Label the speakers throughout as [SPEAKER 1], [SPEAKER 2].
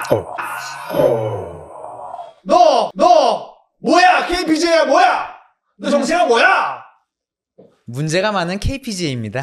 [SPEAKER 1] 너 뭐야? KPJ야 뭐야? 너 정체가 뭐야?
[SPEAKER 2] 문제가 많은 KPJ입니다.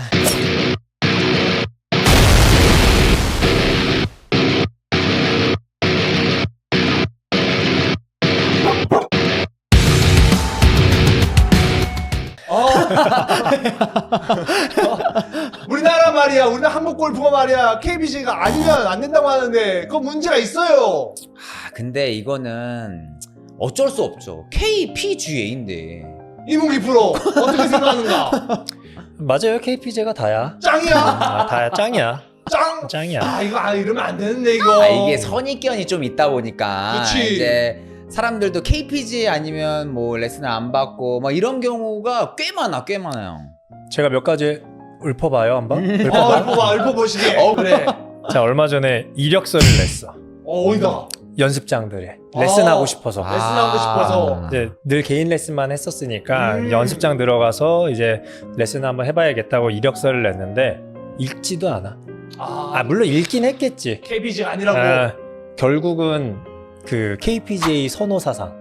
[SPEAKER 1] 우리나라 한국 골프가 말이야 KPJ가 아니면 안 된다고 하는데 그거 문제가 있어요.
[SPEAKER 2] 근데 이거는 어쩔 수 없죠. KPGA인데.
[SPEAKER 1] 이문기 프로 어떻게 생각하는가?
[SPEAKER 3] 맞아요. KPJ가 다야.
[SPEAKER 1] 짱이야?
[SPEAKER 3] 다야. 짱이야.
[SPEAKER 1] 짱이야. 이거 이러면 안 되는데 이거.
[SPEAKER 2] 이게 선입견이 좀 있다 보니까
[SPEAKER 1] 그치.
[SPEAKER 2] 이제 사람들도 KPGA 아니면 뭐 레슨을 안 받고 막 이런 경우가 꽤 많아요.
[SPEAKER 3] 제가 몇 가지 읊어봐요 한번.
[SPEAKER 1] 읊어보시게. 그래.
[SPEAKER 3] 자, 얼마 전에 이력서를 냈어.
[SPEAKER 1] 어디다?
[SPEAKER 3] 연습장들에 레슨하고 싶어서.
[SPEAKER 1] 레슨하고 싶어서.
[SPEAKER 3] 이제 늘 개인 레슨만 했었으니까 연습장 들어가서 이제 레슨 한번 해봐야겠다고 이력서를 냈는데 읽지도 않아. 물론 읽긴 했겠지.
[SPEAKER 1] KPJ가 아니라고.
[SPEAKER 3] 결국은 그 KPJ 선호 사상.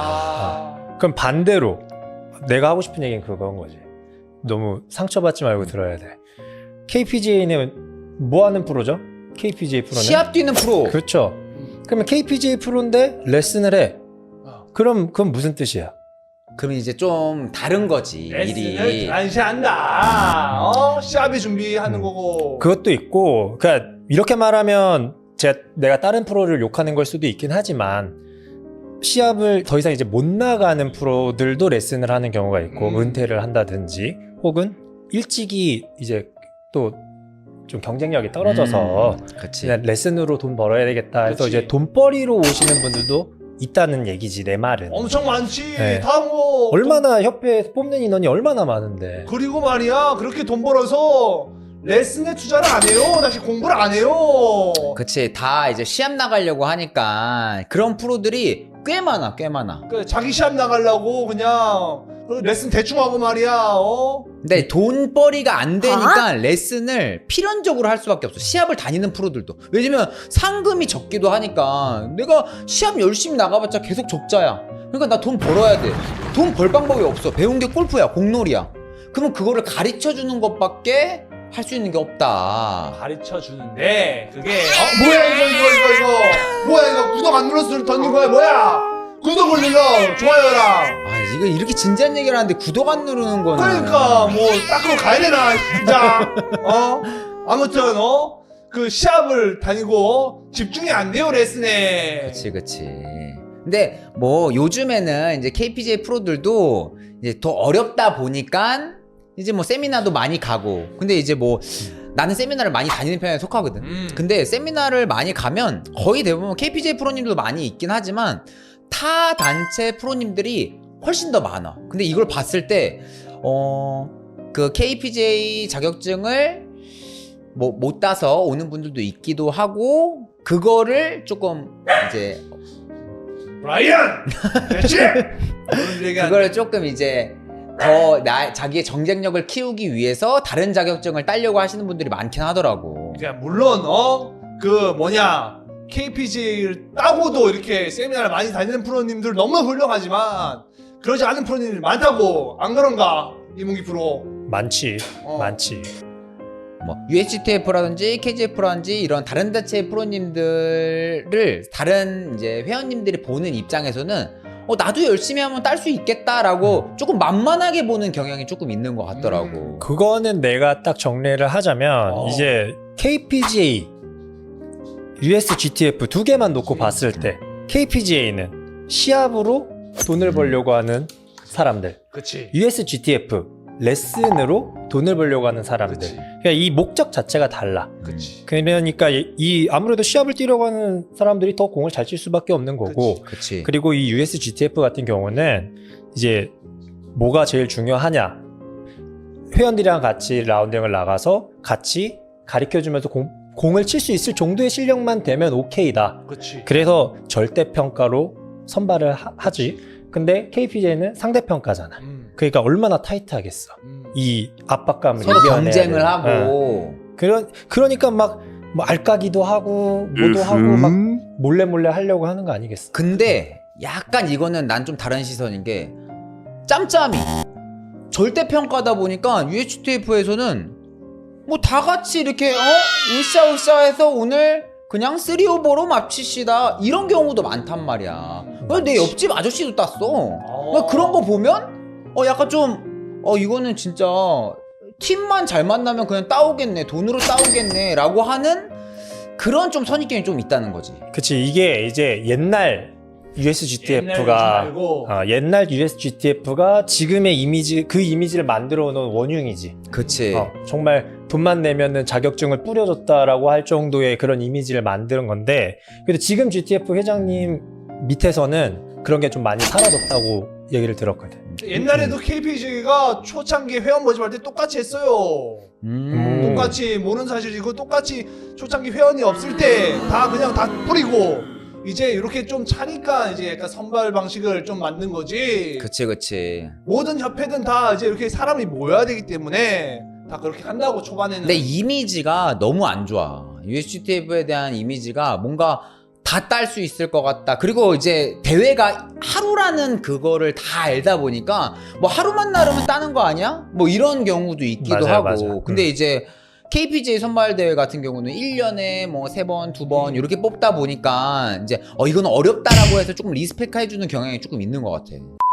[SPEAKER 3] 그럼 반대로 내가 하고 싶은 얘기는 그건 거지. 너무 상처받지 말고 들어야 돼. KPJ는 뭐 하는 프로죠? KPJ 프로는
[SPEAKER 2] 시합 뛰는 프로.
[SPEAKER 3] 그렇죠. 그러면 KPJ 프로인데 레슨을 해. 그럼 그건 무슨 뜻이야?
[SPEAKER 2] 그럼 이제 좀 다른 거지.
[SPEAKER 1] 레슨을
[SPEAKER 2] 일이.
[SPEAKER 1] 단시한다. 시합에 준비하는 거고.
[SPEAKER 3] 그것도 있고, 그러니까 이렇게 말하면 내가 다른 프로를 욕하는 걸 수도 있긴 하지만 시합을 더 이상 이제 못 나가는 프로들도 레슨을 하는 경우가 있고 은퇴를 한다든지 혹은 일찍이 이제 또 좀 경쟁력이 떨어져서
[SPEAKER 2] 그치.
[SPEAKER 3] 그냥 레슨으로 돈 벌어야 되겠다 해서
[SPEAKER 1] 그치.
[SPEAKER 3] 이제 돈벌이로 오시는 분들도 있다는 얘기지. 내 말은
[SPEAKER 1] 엄청 많지.
[SPEAKER 3] 네.
[SPEAKER 1] 다 뭐.
[SPEAKER 3] 얼마나 협회에서 뽑는 인원이 얼마나 많은데.
[SPEAKER 1] 그리고 말이야 그렇게 돈 벌어서 레슨에 투자를 안 해요. 다시 공부를 안 해요.
[SPEAKER 2] 그치. 다 이제 시합 나가려고 하니까 그런 프로들이 꽤 많아.
[SPEAKER 1] 자기 시합 나가려고 그냥 레슨 대충 하고 말이야.
[SPEAKER 2] 근데 돈벌이가 안 되니까 레슨을 필연적으로 할 수밖에 없어. 시합을 다니는 프로들도. 왜냐면 상금이 적기도 하니까 내가 시합 열심히 나가봤자 계속 적자야. 그러니까 나 돈 벌어야 돼. 돈 벌 방법이 없어. 배운 게 골프야, 공놀이야. 그러면 그거를 가르쳐 주는 것밖에 할 수 있는 게 없다.
[SPEAKER 1] 가르쳐 주는데 그게 뭐야 이거 뭐야 이거 구독 안 눌렀으면 던진 거야 뭐야? 구독을 눌러 좋아요랑.
[SPEAKER 2] 이거 이렇게 진지한 얘기를 하는데 구독 안 누르는 거는.
[SPEAKER 1] 그러니까 뭐 닦으러 가야 되나 진짜. 아무튼 그 시합을 다니고 집중이 안 돼요 레슨에.
[SPEAKER 2] 그치. 근데 뭐 요즘에는 이제 KPJ 프로들도 이제 더 어렵다 보니까 이제 뭐 세미나도 많이 가고. 근데 이제 뭐 나는 세미나를 많이 다니는 편에 속하거든. 근데 세미나를 많이 가면 거의 대부분 KPJ 프로님들도 많이 있긴 하지만 타 단체 프로님들이 훨씬 더 많아. 근데 이걸 봤을 때 그 KPJ 자격증을 뭐 못 따서 오는 분들도 있기도 하고, 그거를 조금 이제
[SPEAKER 1] 브라이언 됐지?
[SPEAKER 2] 그걸 조금 이제 더 자기의 경쟁력을 키우기 위해서 다른 자격증을 따려고 하시는 분들이 많긴 하더라고.
[SPEAKER 1] 그러니까 물론 그 KPJ를 따고도 이렇게 세미나를 많이 다니는 프로님들 너무 훌륭하지만 그러지 않은 프로님들이 많다고. 안 그런가 이문기 프로?
[SPEAKER 3] 많지.
[SPEAKER 2] 뭐 USGTF라든지 KGF라든지 이런 다른 단체 프로님들을 다른 이제 회원님들이 보는 입장에서는 나도 열심히 하면 딸 수 있겠다라고 조금 만만하게 보는 경향이 조금 있는 것 같더라고.
[SPEAKER 3] 그거는 내가 딱 정리를 하자면 이제 KPGA, USGTF 두 개만 놓고 봤을 때 KPGA는 시합으로 돈을 벌려고 하는 사람들,
[SPEAKER 1] 그치.
[SPEAKER 3] USGTF 레슨으로 돈을 벌려고 하는 사람들.
[SPEAKER 1] 그치.
[SPEAKER 3] 그러니까 이 목적 자체가 달라.
[SPEAKER 1] 그치.
[SPEAKER 3] 그러니까 아무래도 시합을 뛰려고 하는 사람들이 더 공을 잘 칠 수밖에 없는 거고.
[SPEAKER 2] 그치.
[SPEAKER 3] 그리고 이 USGTF 같은 경우는 이제 뭐가 제일 중요하냐? 회원들이랑 같이 라운딩을 나가서 같이 가르쳐주면서 공을 칠 수 있을 정도의 실력만 되면 오케이다.
[SPEAKER 1] 그치.
[SPEAKER 3] 그래서 절대평가로 선발을 하지. 근데 KPJ는 상대평가잖아. 그러니까 얼마나 타이트하겠어. 이 압박감을
[SPEAKER 2] 서로
[SPEAKER 3] 이겨내야
[SPEAKER 2] 경쟁을
[SPEAKER 3] 돼.
[SPEAKER 2] 하고.
[SPEAKER 3] 그러니까 막 뭐 알까기도 하고 뭐도 하고 막 몰래 하려고 하는 거 아니겠어?
[SPEAKER 2] 근데 약간 이거는 난 좀 다른 시선인 게 짬짬이 절대 평가다 보니까 UHTF에서는 뭐 다 같이 이렇게 으쌰으쌰해서 오늘 그냥 3오버로 마칩시다 이런 경우도 많단 말이야. 내 옆집 아저씨도 땄어. 그러니까 그런 거 보면 약간 좀 이거는 진짜 팀만 잘 만나면 그냥 따오겠네, 돈으로 따오겠네 라고 하는 그런 좀 선입견이 좀 있다는 거지.
[SPEAKER 3] 그치, 이게 이제 옛날 USGTF가 옛날 USGTF가 지금의 이미지, 그 이미지를 만들어 놓은 원흉이지.
[SPEAKER 2] 그치.
[SPEAKER 3] 정말 돈만 내면은 자격증을 뿌려줬다라고 할 정도의 그런 이미지를 만드는 건데, 근데 지금 GTF 회장님 밑에서는 그런 게 좀 많이 사라졌다고 얘기를 들었거든.
[SPEAKER 1] 옛날에도 KPG가 초창기 회원 모집할 때 똑같이 했어요. 똑같이 모르는 사실이고 똑같이 초창기 회원이 없을 때 다 그냥 다 뿌리고 이제 이렇게 좀 차니까 이제 약간 선발 방식을 좀 만든 거지.
[SPEAKER 2] 그치.
[SPEAKER 1] 모든 협회든 다 이제 이렇게 사람이 모여야 되기 때문에 다 그렇게 한다고 초반에는.
[SPEAKER 2] 근데 이미지가 너무 안 좋아. USGTF에 대한 이미지가 뭔가 다 딸 수 있을 것 같다. 그리고 이제 대회가 하루라는 그거를 다 알다 보니까 뭐 하루만 나르면 따는 거 아니야? 뭐 이런 경우도 있기도
[SPEAKER 3] 맞아요,
[SPEAKER 2] 하고.
[SPEAKER 3] 맞아요.
[SPEAKER 2] 근데 이제 KPGA 선발대회 같은 경우는 1년에 뭐 3번, 2번 이렇게 뽑다 보니까 이제 이건 어렵다라고 해서 조금 리스펙해주는 경향이 조금 있는 것 같아.